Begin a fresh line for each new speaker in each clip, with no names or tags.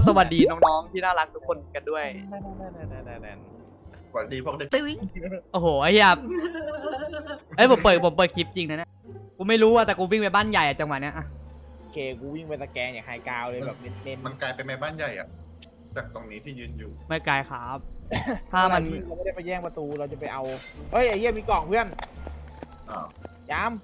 สวัสดีน้องๆที่น่ารักทุกคนกันด้วย
สวัสดีพวกเด็ก
โอ้โหไอ้เหี้ยเอ้ยผมเปิดคลิปจริงนะเนี่ยกูไม่รู้อะแต่กูวิ่งไปบ้านใหญ่อะจังหวะเนี้ยอะ
เคกูวิ่งไปตะแกรงอย่างไฮกราวเลยแบบเน้น
มันกลายเป็นแม่บ้านใหญ่อะจากตรงนี้ที่ยืนอยู่
ไม่ไกลครับ
ๆ
ถ้ามัน
เราไม่ได้ไปแย่งประตูเราจะไปเอาเฮ้ยไอ้เหี้ยมีกล่องเพื่อน
อ้าว
ย้ำ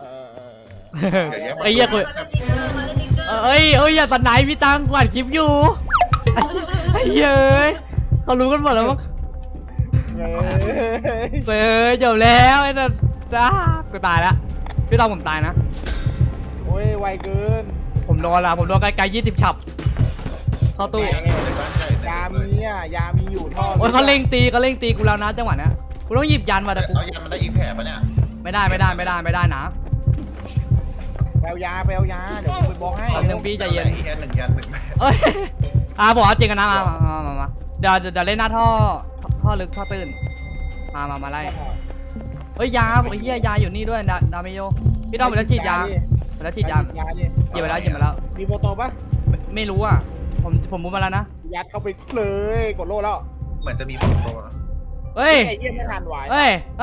ไอ้เหี้ยกูเอ้ยอย่าตัดไหนพี่ตังกวาดคลิปอยู่ไอ้เหี้ยเอ้ยเขารู้กันหมดแล้วมั้ง
เฮ้ย
เฮ้ยจบแล้วไอ้นั่นจ้ากูตายแล้วพี่ตังผมตายนะ
โอ้ยไวเกิน
ผมโดนไกลๆ20 ฉับเข้าตู้
ในบ้านใหญ่
ยามีอ่ะยามีอยู่ท่อ
โอ้ยเขาเล่งตีกูแล้วนะจังหวะเนี้ยกูต้องหยิบยันมาแต่กู
เอายันมันได้อีกแผลปะเนี่ย
ไม่ได้นะ
แปลยาเดี๋ยวกูไปบอกให้
แป๊บนึงพี่ใจเย็น
แค่หนึ่งยันหนึ่งแผล
เอ้ยผมเอาจริงกันนะมาเดี๋ยวเล่นหน้าท่อลึกท่อตื้นมาไล่เฮ้ยยาไอ้เหี้ยยาอยู่นี่ด้วยดาเมโยพี่ต้องไปแล้วฉีดยาหยิบไปแล้ว
มีโฟโต้ปะ
ไม่รู้อ่ะผมมุดมาแล้วนะ
ยัดเข้าไปเลยกดโล่แล้ว
เหมือนจะมีผลโตนะ
เฮ้ย
ไอ้เหี้ยไม่ทันไหว
เฮ้ย
ไป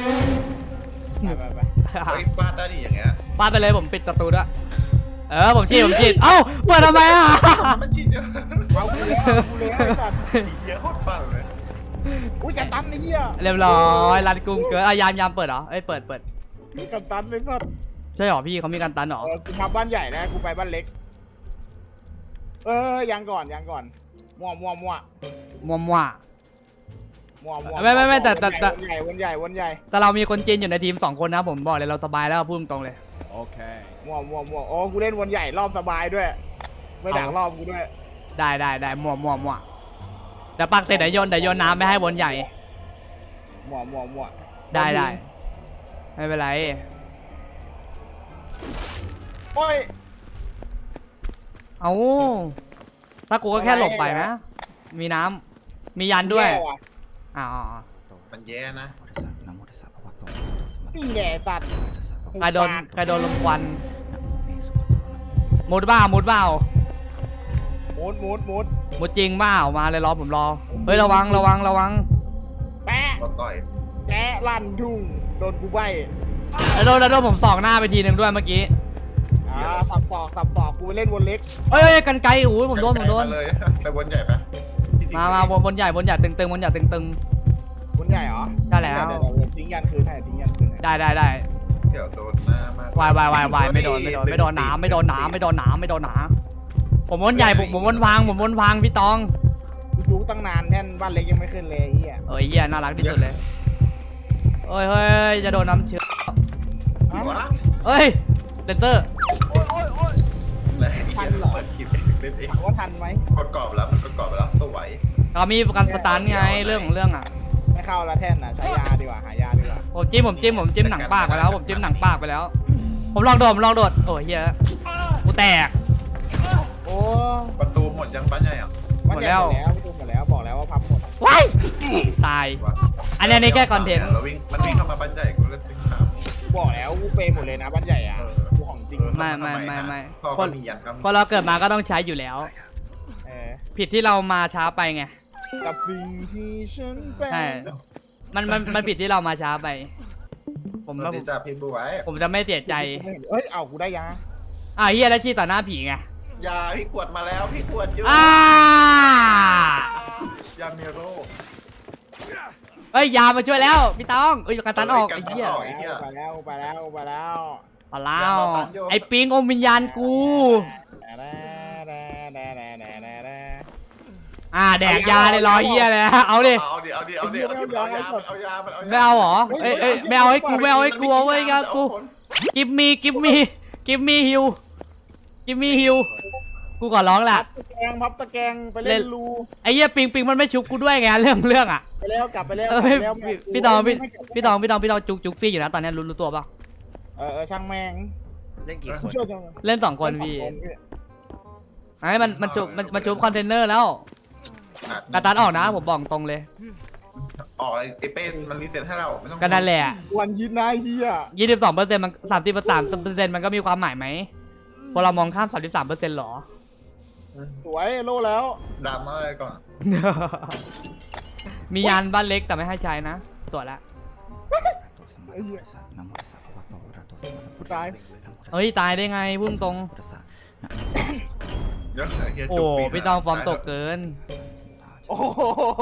เฮ้ยฟาดได้ดิอย่างเงี้ย
ฟาดไปเลยผมปิดประตูด้วยผมฉีดเอ้าเปิดทำไมอ่ะ
มันชิดเยอะ
เอากูเลยไอ้สัตว์
เยอะโคตรฟังเลย
อุ้ยกันตันไอ้เหี้ย
เรียบร้อยรัดกุมเกินยามเปิดเหรอเปิด
กันตันเลยสัตว์
ใช่หรอพี่เขามีการตันหรอ
กูทำบ้านใหญ่นะกูไปบ้านเล็กยังก่อนมั่ว
มัว ไม่แต่
วนใหญ่
แต่เรามีคนจีนอยู่ในทีม2 คนนะผมบอกเลยเราสบายแล้วพูดตรงๆเลย
โอเคมั่วโอ้กูเล่นวนใหญ่รอบสบายด้วยไม่ดักรอบกูด้วย
ได้มัวแต่ปักเสร็จเดี๋ยวโยนน้ำไม่ให้บนใหญ่
มั่ว
ได้ไม่เป็นไร
โอ้ย
เอาถ้ากูก็แค่หลบไปนะมีน้ำมียันด้วยอ๋อ
มันแย่นะ
นี่แหละสัตว์
ใครโดนลมควันมุดเปล่า
มุด
มุดจริงเปล่ามาเลยผมรอเฮ้ยระวัง
แปะ
ก็ต่อย
แกะลั่นทุ่งโดนกูใบ
แล้วโดนผมส่องหน้าไปทีนึงด้วยเมื่อกี้
สับศอกกูไปเล่นวนเล็ก
เอ้ยกันไกลโอ้ยผมโดน
เลยไปวนใหญ่ปะ
มาบนใหญ่ตึง
วนใหญ่เหรอ
ได้แล้ว
เดี๋ยวทิ้งยันคืนให้
ได้
เดี๋ยวโดนหน้ามาก
วายไม่โดนน้ำผมวนใหญ่ผมวนวางพี่ตอง
กูจูตั้งนานแท่นบ้านเล็กยังไม่ขึ้นเลยเฮีย
เหี้ยน่ารักที่สุดเลยเฮ้ยจะโดนน้ำเชื้อเฮ้ยเดนเตอร์
ทันเหรอคิดเล่นเอง
ว่าทันไหม
กดกรอบแล้วมันกดกรอบไปแล้วตัวไหว
เรามีประกันสตาร์ทไงเรื่องอ่ะ
ไม่เข้าละแท่นใช้ยาดีกว่าหายาดีกว่า
ผมจิ้มหนังปากไปแล้วผมลองโดดโอ้ยเฮียกูแตก
โอ้
ประตูหมดยังบ้านใหญ่อ่ะ
หมดแล้วบอกแล้วว่าพับหมด
ว้ายตายอันนี้แค่คอนเทนต์
มันวิ่งเข้ามาบ้านใหญ่กูเล่นติ๊กถาม
บอกแล้วกูเปย์หมดเลยนะบ้านใหญ่อ่ะกูของจริง
ไม่
คนมียันครับ
พอเราเกิดมาก็ต้องใช้อยู่แล้วผิดที่เรามาช้าไปไง
กับสิ่งที่ฉันเป็น
ใช่มันผิดที่เรามาช้าไปผม
ดีจ้าพี่บุ๋ย
จะไม่เสียใจ
เอ้ยเอากูได้ยา
เฮียแล้วชี้ต่อหน้าผีไง
ยาพี่ขวดมาแล้วพี่ขวดอยู่ยาเมโร
เอ้ยยามาช่วยแล้วพี่ตองกันตันออกไอ้เหี้ย
ไปแล้ว
ไอ้ปิงอมวิญญาณกูแดกยาเลยรอเหี้ยเลยเอาดิไม่เอาเหรอไม่เอาให้กูเอาไว้กันกูกิฟมีฮิวกูก่อนร้องแหละ
พับตะแกรงไปเล่นรู
ไอ้เหี้ยปิงมันไม่ชุบกูด้วยไงเรื่องอ่ะ
ไปแล้วกลับไปแล้ว
พี่ตองจุกฟี่อยู่นะตอนนี้รู้ตัวป่ะ
ช่างแม่ง
เล่นกี่คน
เล่น2 คนพี่ไอ้มันจุบคอนเทนเนอร์แล้วกระตันออกนะผมบอกตรงเลย
ออกไอ้เป้มันรีเซ็ตให้เราไม่ต้อง
ก็นั่นแหละ
วันยินนายเฮีย
22%มัน30%มันก็มีความหมายไหมพอเรามองข้าม33%หรอ
สวยโลแล้ว
ดราม่าอะไรก่อน
มียานบ้านเล็กแต่ไม่ให้ใช้นะสวยละ
ไอ้เหี้ยกูตาย
เฮ้ยตายได้ไงพุ่งตรง
เดี๋ยวไอ้เหี้ย
โอ้
จุกปีก
พี่ตองฟอร์มตกเกิน
โอ้โห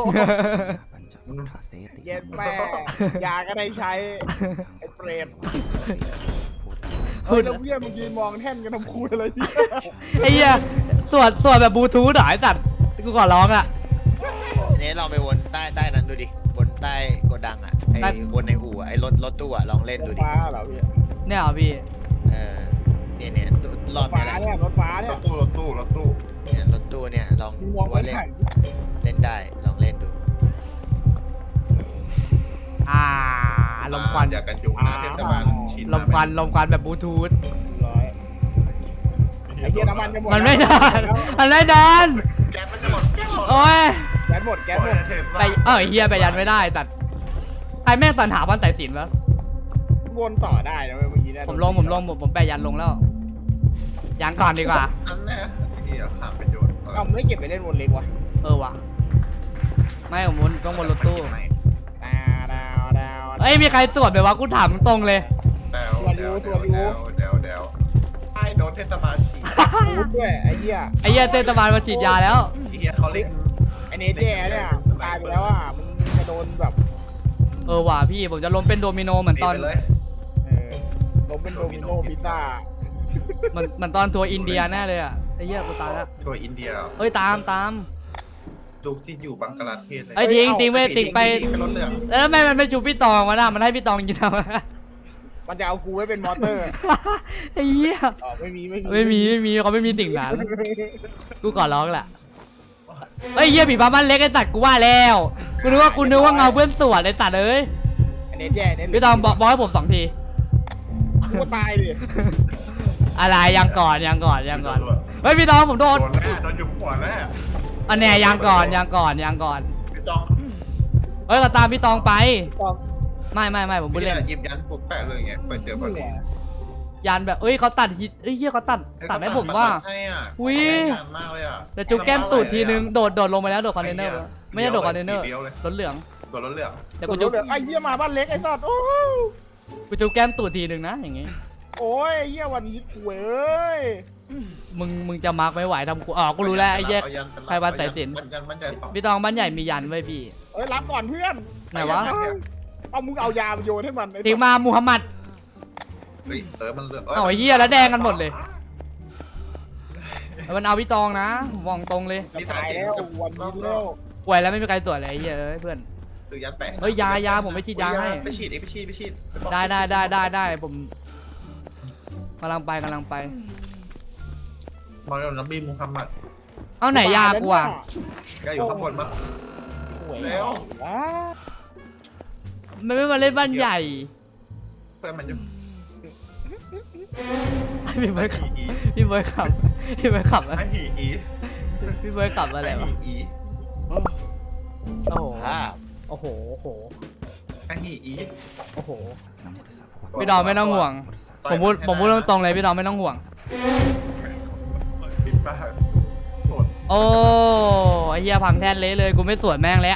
เย็นแม่ยาก็ได้ใช้ไอ้เปรตเฮ้ยแล้วเพื่อนมึงยืนมองแท่นกันทำคูอะไรเนี่ย
ไอ้เหี้ยสวดแบบบลูทูธเหรอไอ้สัตว์กูขอร้องอะ
นี่ลองไปวนใต้นั้นดูดิบนใต้โกดังอ่ะไอ้วนในอู่อะไอ้รถตู้อ่ะลองเล่นดูดิ
ฟ้าเหรอพี่
เนี่ยเหรอพี่
เออเนี่ยรอบ
ฟ้า
นี้แหละ
เนี่ยรถฟ้าเนี่ย
รถตู้
เนี่ยรถตู้เนี่ยลอง
มึงมองไป
ว่า
ไหน
เล่นได้ลองเล่นดู
ลมควัน
อยากกันยุงนะเทศบาลชิน
ลมควันแบบบลูทูธ
ร้อยไอ้เหี้ยน้ำมันจะหมด
มันไม่นานมันไม่นาน
แก๊สมันจะหมดแก๊สหมด
โอ้ย
แก๊สหมดแก๊สหมด
ไปเฮียไปยันไม่ได้ตัดใครแม่งสรรหาวันใส่สินวะ
วนต่อได้นะเมื่อกี้เนี่ย
ผมไปยันลงแล้วยันก่อนดีกว่า
อันแน่เหี้ยขาดประโยชน์
เอ้าไม่เก็บไปเล่นวนเล็กวะ
ว่ะไม่ผมวนต้องวนรถตู้
ดาว
เอ้ยมีใครตรวจไหมวะกูถามตรงเลย
เดวไอ้โดนเทศบาลฉีด
พูดด้วยไอ้เหี้ย
ไอ้เหี้ยเทศบาลมาฉีดยาแล้ว
ไอ้เหี้ยเขาเล่น
ไอ้เนเจเนี่ยตายไปแล้วอ่ะมึงจะโดนแบบ
ว่ะพี่ผมจะล้มเป็นโดมิโนเหมือนตอน
ไปเลย
ล้มเป็นโดมิโนพิซซ่า
เหมือนตอนทัวร์อินเดียแน่เลยอ่ะไอ้เหี้ยกูตายแล้ว
ทัวร์อินเดีย
เฮ้ยตาม
จุกที่อยู่บังกลาเทศเลย
เอ้ยทิ้งไปทิ้งไป
เป็นรถเหลือง
แล้วทำไมมันไม่ชูพี่ตองวะน่ะมันให้พี่ตองกินทำไม
มันจะเอากูไว้เป็นมอเตอร์
ไอ้เหี้ย
อ๋อไม่มี
เขาไม่มีสิ่งนั้นกูก่อนร้องแหละเฮ้ยเหี้ยผีบ้าบ้านเล็กไอ้ตัดกูว่าแล้วกูนึกว่าเงาเพื่อนสวนไอ้ตัดเอ้ย
ไอ้เนเจเนี่ย
พี่ตองบอกให้ผม2 ที
กูตายดิ
อะไรยังก่อนเฮ้ยพี่ตองผมโดน
โดนแน่โดนยุบหัวแน่
อันแน่ยังก่อน
พี่ต้อง
เฮ้ยก็ตามพี่ตองไป
ต้อง
ไม่ผมพูดเล่น
หยิบยันปุ๊บแปะเลยไงไปเจอพอดี
ยันแบบเอ้ยเขาตัดฮิตเอ้ยเหี้ยเขาตัดให้ผมว่า อุ๊ย
มากเลยอ่ะ
แต่จุกแก้มตูดทีนึงโดดลงไปแล้วโดดคอนเทนเนอร์ไม่ใช่โดดคอนเทนเนอร์รถเหลือง
ตัวรถเหลือง
แต่
กู
กู
จุ
จุ
ก
ก
ไอ้เหี้ยมาบ้านเล็กไอ้สัตว์โอ้
กูจุกแก้มตูดทีนึงนะอย่างงี้
โอ้ยไอ้เหี้ยวันนี้กูเอ้ย
มึงจะมาร์กไม่ไหวทำกูกูรู้แล้วไอ้แยก ใครวันสายสิญจน์
มันใจสอง
พี่ตองบ้านใหญ่มียันไว้พี่
เอ้ยรับก่อนเพื่อน
ไหนวะ
เอามึงเอายาไปโยนให้มันไอ้
ทิ้งมามูฮัมหมัด
เฮ้ยมันเหลือง
เอาไอ้เหี้ยแล้วแดงกันหมดเลยมันเอาพี่ตองนะผมมองตรงเลย
จะตายแล้ววันนี้แล้ว
ป่วยแล้วไม่มีใครตรวจเลยไอ้เหี้ยเอ้ยเพื่อน
หรือยันแปะ
เฮ้ยยาผมไม่ฉีดยาให้
ไปฉีดไปฉีด
ได้ผมกำลังไป
มาแล้วนบีมูฮัมหมัด
เอาไหนยากูอ่ะ
แกอยู่ข้างบนมั้ง เร็ว
มันไม่มาเล่นบ้านใหญ่
เพื่อนมันจะ
พี่เบิร์ดขับพี่เบิร์ดขับอะไร
ไอหีอี
พี่เบิร์ดขับอะไรวะ
อี
โอ้ภาพ
โอ้โห
ไอหีอี
โอ้โหพี่ดอมไม่ต้องห่วงผมพูดตรงๆเลยพี่ดอมไม่ต้องห่วง
ปิดปากโกรธ
โอ้ไอ้เหี้ยพังแทนเละเลยกูไม่สวนแม่งแล้ว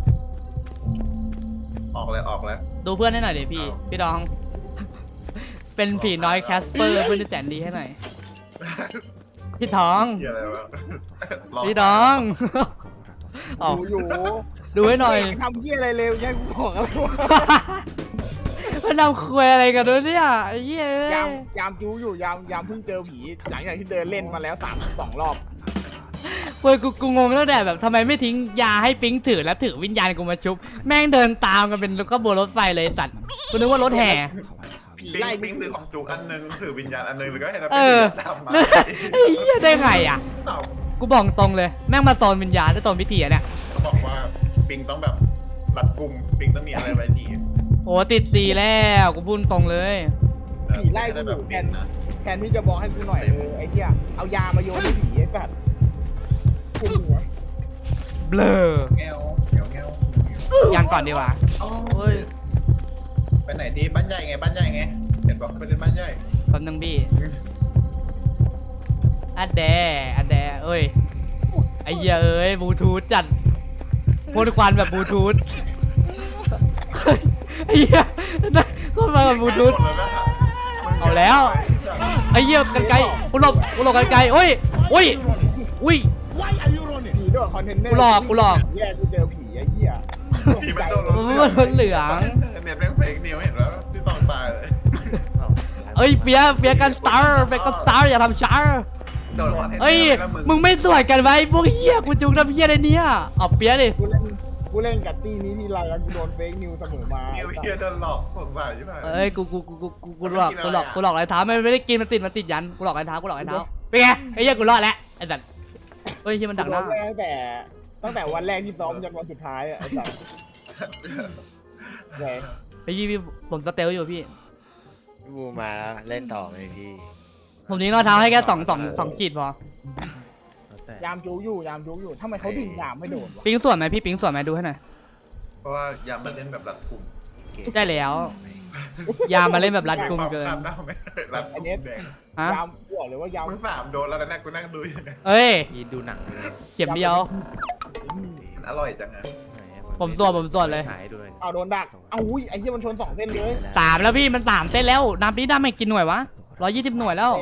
ออกแล้ว
ดูเพื่อนให้หน่อยดิพี่ดอง เป็นผีน้อยแคสเปอร์เพื่อนที่แสนดีให้หน่อยพี่ทอง
เหี้ยอะไรวะ
พี่ดองออก
อยู่
ดูให้หน่อย
ทำเหี้ยอะไรเร็วยังกูบอกอะไรวะ
มันทำคุยอะไรกันด้วยเนี่ยไอ้เหี้ย
ยามจูอยู่ยามเพิ่งเจอผีหลังจากที่เดินเล่นมาแล้ว2 รอบ
เว้ยกูงงตั้งแต่แบบทำไมไม่ทิ้งยาให้ปิ๊งถือแล้วถือวิญญาณกูมาชุบแม่งเดินตามกันเป็นขบวนรถไฟเลยสัตว์กูนึกว่ารถแห่
ผี
ปิ้ง
ไล่
ปิ้งถือของจุกอันนึงถือวิญญาณอันนึงหรือก็ให้เรา
เออ
ตามมา
ไอ้เหี้ยได้ไงอ่ะ
เต่า
กูบอกตรงเลยแม่งมาโซนวิญญาณได้โซนพิธีอะเนี่ย
เขาบอกว่าปิงต้องแบบรัดกุมปิงต้องมีอะไรไว้หนี
โอ้ติดสีแล้วกูพูดตรงเลย
ผีไล่กูอยู่แทนที่จะบอกให้กูหน่อยไอ้เหี้ยเอายามาโยนให้ผีไอ้สัตว์กูหัว
เบลอ
แง้วแง้วแง้ว
ยันก่อนดีกว่า เฮ้ย
ไปไหนดีบ้านใหญ่ไงเห็นบอกไปเล่นบ้านใหญ่
แป๊บนึงพี่อัดแดเอ้ยไอ้เหี้ยเอ้ยบลูทูธจัดพ่นควันแบบบลูทูธไอ้เหี้ยเข้ามากับบลูทูธเอาแล้วไอ้เหี้ยกันไกลกูหลบกันไกลโอ้ยอุ้ย
ผีด้วยคอนเทนเนอร์
กูหลอก
แย่กูเจอผีไอ้เหี้ย
ผีมันโดน
มันรถเหลือง
เน็ตแม่งเฟกนิวเห็นแล้วที่ต้องตายเลย
เอ้ยเปียกันสตาร์อย่าทำช้า
โดนคอนเทนเนอร์
เอ้ยมึงไม่สวยกันไว้พวกเหี้ยกูจุกน้ำเหี้ยอะไรเนี่ยเอาเปียดิ
กูเล่นกับตี้นี้ทีไรแล้วกูโดนเฟกนิวเสมอมา
นิวเฮียโดนหลอกสงสารใช่ไหม
เอ้ยกูหลอกรอยเท้าไม่ได้กินมันติดยันกูหลอกรอยเท้าเป็นไงไอ้เหี้ยกูรอดแล้วไอ้สัตว์เฮ้ยที่มันดักหน้า
ตั้งแต่วันแรกที่ซ้อมจนวันสุดท้ายอ่ะไอ้สัสไง
ไอ้พี่ผมสเตลอยู่พี่
พี่บูมาแล้วเล่นต่อไหมพี่
ผมยิงรอยเท้าให้แค่สองขีดพอย
ามจูอยู่ทำไมเขาดึงยามไม่โดนวะ
ปิงส่วนไหมพี่ปิงส่วนไหมดูให้หน่อย
เพราะว่ายามมันเล่นแบบรัดกลุ่ม
ได้แล้วยามาเล่นแบบรัดกุมเกิน
รัดกลุ่มแดง
ฮะ
ยามหัวหรือว่ายาม
มึง3โดนแล้วนะกูนั่งดูอยู่
เอ้ย
ยีดูหนังเลย
เก็บเดียว
อร่อยจังอะ
ผมสวดเลย
หายด้วย
เอาโดนดักเอาอุ้ยไอ้เหี้ยมันชน2เส้นเลย
3แล้วพี่มัน3เส้นแล้วนับนี้ได้ไม่กี่หน่วยวะ120หน่วยแล้ว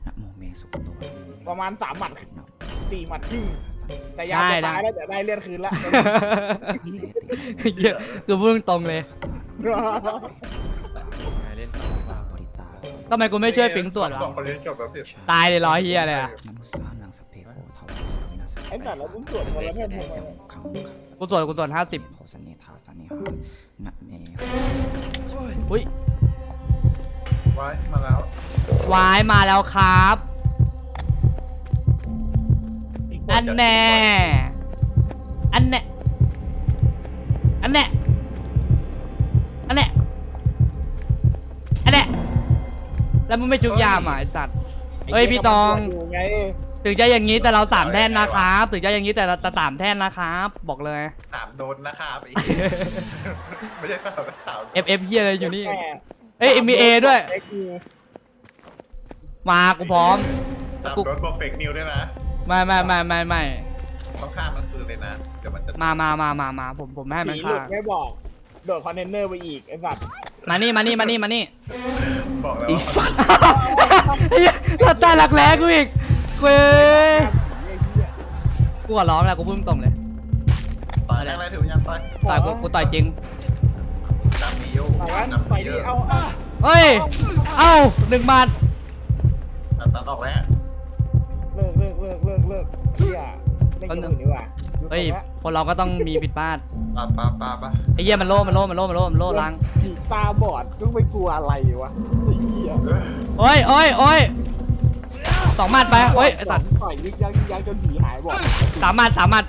ประมาณ3หมัด4หมัดครึ่งแต่ยามจะตายแล้วแต่ได้เลือดคืนละ
เหี้ยคือพูดตรงเลย
เล่นต่อว่า
ทำไมกูไม่ช่วยปิงส่วนวะ
สองคนนี้จบแล้วสิ
ตายเลย100เฮียเลยอะ
ไอ้สัตว์แล้วกูสวดคนละแทบทำไม
กูส่วน50อุ้ย
ไว้มาแล้ว
วายมาแล้วครับอันแน่อันแน่อันแน่อันแน่อันแน่แล้วมึงไม่ชุบยามอ่ะไอ้สัตว์เฮ้ยพี่ตอง
ไง
ถึงจะอย่างนี้แต่เรา3แท่นนะครับถึงจะอย่างนี้แต่เรา3แท่นนะครับบอกเลย
3โดนนะครับไม่ใช่3
FF เฮียอะไรอยู่นี่เอ้ย MBA ด้วย มากูพร้อม
3โดนบวกเฟกนิวด้วยนะ
ไม่
ต้องฆ่ามันคืนเลยนะเดี๋ยวมันจะ
มาผมไม่ให้มัน
ผีหลุ
ฆ่า
ดไม่บอกโดดคอนเทนเนอร์ไปอีกไอ้สัตว์
มานี่
บอกแล้ว
ไอ้สัตว์
เราตายหลักแร้กูอีกเว้ย
ไอ้เหี้ย
กูหัวร้องแล้วกูพูดตรงเลย
ต่อยอะไรถือยังต่อย
ต่อยกูต่อยจริง
ดำมีโย
ต่อยกันต่อยดิเอา
เฮ้ยเอ้า1 บาท
ตัดออกแล้ว
เลิกเหี้ยเล่นกันอื่นดีกว่า
เฮ้ยคนเราก็ต้องมีผิดพลาด
ปะ
ไอ้เหี้ยมันโล่ล้าง
ผีตาบอดก็ไม่กลัวอะไรวะไอ้เหี้ย
โอ้ย2 หมัดไปโอ้ยไอ้สัตว์
ต่อยยึกยักจนผีหายบอก
3 หมัด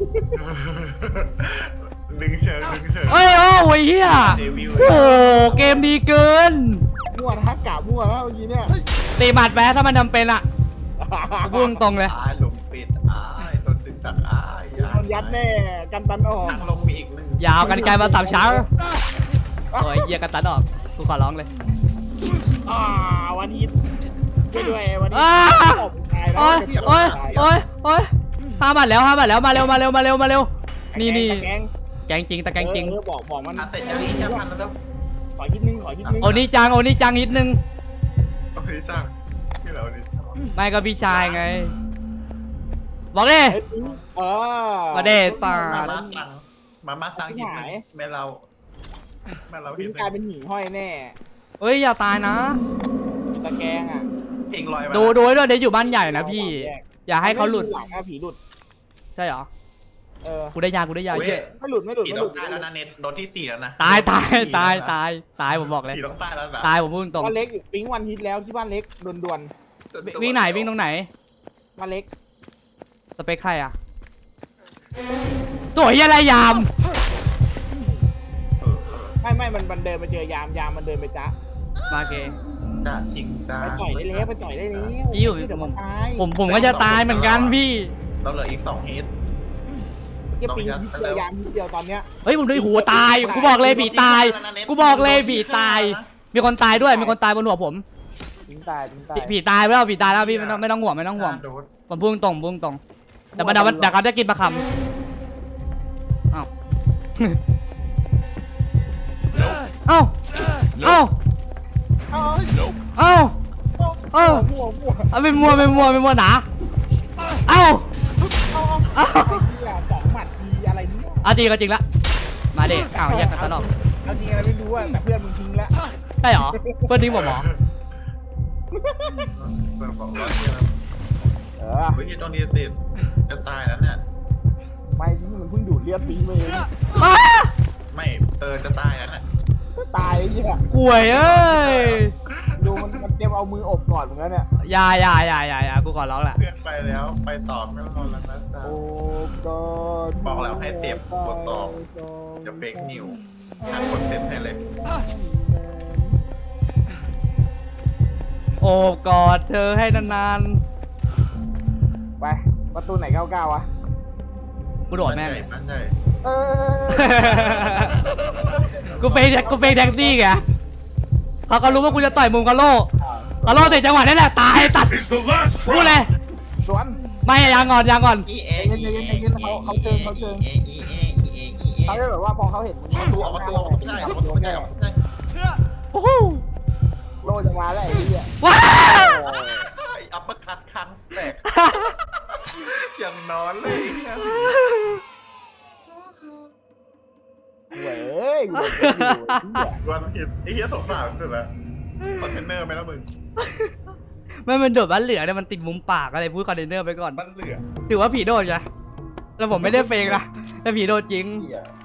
ดึงเชิง
เฮ้ยโอ้ยเหี้ย
เดวิล
โอ้เกมดีเกิน
มั่วทักกะมั่วแล้วเมื่อกี้เนี่ย
ตีหมัดไปถ้ามันจำเป็นอ่ะกูพูดตรงเลย
ลงปิดโดนดึงตัก
โดนยัดแน่กันตันออก
ทางลงมีอีก1
ยาวกันไกลมา3 เช้าโอ้ยเหี้ยกันตัดออกกูขอร้องเลย
วันฮิตด้วยวันนี้
อ้า
ตายแล้ว
โอ้ย5 บาทแล้วมาเร็วนี่
แกง
แกงจริงแต่แกงจริง
บอกมัน
เสร็จยังอีกจะพันแล้ว
ขอฮิตนึง
โอ้นี่จังนิดนึง
โอเคจ้างที่เราดิ
ไม่ก็พี่ชายไงบอกเลย มาเด้ตา
มาสั่งหินแม่เราเห็
พี่
น
กลายเป็นหมีห้อยแน่
เฮ้ยอย่าตายนะ
ตะแกงอ่ะ
เพลงลอย
ดูให้ด้วยเดี๋ยวอยู่บ้านใหญ่นะพี่ อย่าให้เขาหลุด
หลังผีหลุด
ใช่เหรอ กู
ไม่
ได้ยาเหี้ย
หลุด
ผีต้องตายแล้วนะเน็ตโดนที่4แล้วนะ
ตายผมบอกเลย
ผีต้องตายแล้วนะ
ตายผมพูดตรง
บ้านเล็กอยู่ปิ๊งวันฮิตแล้วที่บ้านเล็กด่วน
วิ่งไหนวิ่งตรงไหน
ๆบ้านเล็ก
สเปคใครอ่ะตัวเหี้ยอะไรยาม
ไม่มันเดินไปเจอยามมันเดินไปจ้า
มาเก
จ้าจริงจ้า
ไปต่อยได้แล้วเดี๋ยวมันตาย
ผมก็จะตายเหมือนกันพี่
เราเหลืออีก2ฮิต
เก็บปิ๊งฮิตเดียวยามฮิตเดียวตอนเนี้ย
เฮ้ยผมด้วยหัวตาย กูบอกเลยผีตาย มีคนตายด้วยมีคนตายบนหัวผม
ปิ๊งตาย
ผีตายแล้วพี่ไม่ต้องห่วง ผมพูดตรงเดี๋ยวเขาจะกินปลาคำอ้าว เอ้าเอ้า
เอา
เอ้าเอ้า
มั่วมั่ว
เอาเป็นมัวหนาเอ้าเอ้า
ไอ้เหี้ยสองหมัดทีอะไรเนี่ย
เอาจริงก็จริงละมาเด็กอ้าวแยกกันตลอด
เอาจริงอะไรไม่รู้อะแต่เพื่อนมึงทิ้งแล้ว
ใช่เหรอเพื่อนทิ้งผมเหรอ
เปิดของรถเนี่ยนะ
เออ
เฮ้ยตรงนี้ติดจะตายแล้วเนี่ย
ไม่ที่มันเพิ่งดูดเลือดปีไปเอง
อ้า
ไม่จะตายแล้วเนี่ย
ตายไอ้เหี้ย
ป่วยเอ้ย
ดูมันเตรียมเอามืออบก่อนเหมือนกันเนี่ย
อย่ากูขอร้องแหละ
เพื่อนไปแล้วไปต่อไม่รอแล้วนะจ๊ะ
โอ้ก่อน
บอกแล้วให้เสียบกดต่อ จะเฟกนิวหาคนเซ็ตให้เลย
โอบกอดเธอให้นาน
ไปประตูไหน99วะ
ๆกูโดดแม่ง
บ้านใหญ่
เออ
กูเฟกแท็กซี่ไงเขาก็รู้ว่ากูจะต่อยมุมกะโล่ติดจังหวะนี่แหละตายตัดพูดเลย
สวน
ไม่ยังก่อน
เขาจะแบบว่าพอเขาเห็นมึง
ประตูออกประตูไม่ได้ออกประตูไม่ได้ออกไม่ได้
โอ้โห
โลจะมาแล้วไอ้เหี้ย
ว้า
อัปเปอร์คัทครั้งแตกอย่างนอนเลย
เว้ยกูอยู่ไอ้เหี้ย
วันผิดไอ้เหี้ยสงสารสุดละคอนเทนเนอร์ไหมล่ะมึง
มันโดดบ้านเหลือเนี่ยมันติดมุมปากอะไรพูดคอนเทนเนอร์ไปก่อน
บ้านเหลือ
ถือว่าผีโดดไงแล้วผมไม่ได้เฟกนะแต่ผีโดดจริง
เหี้ย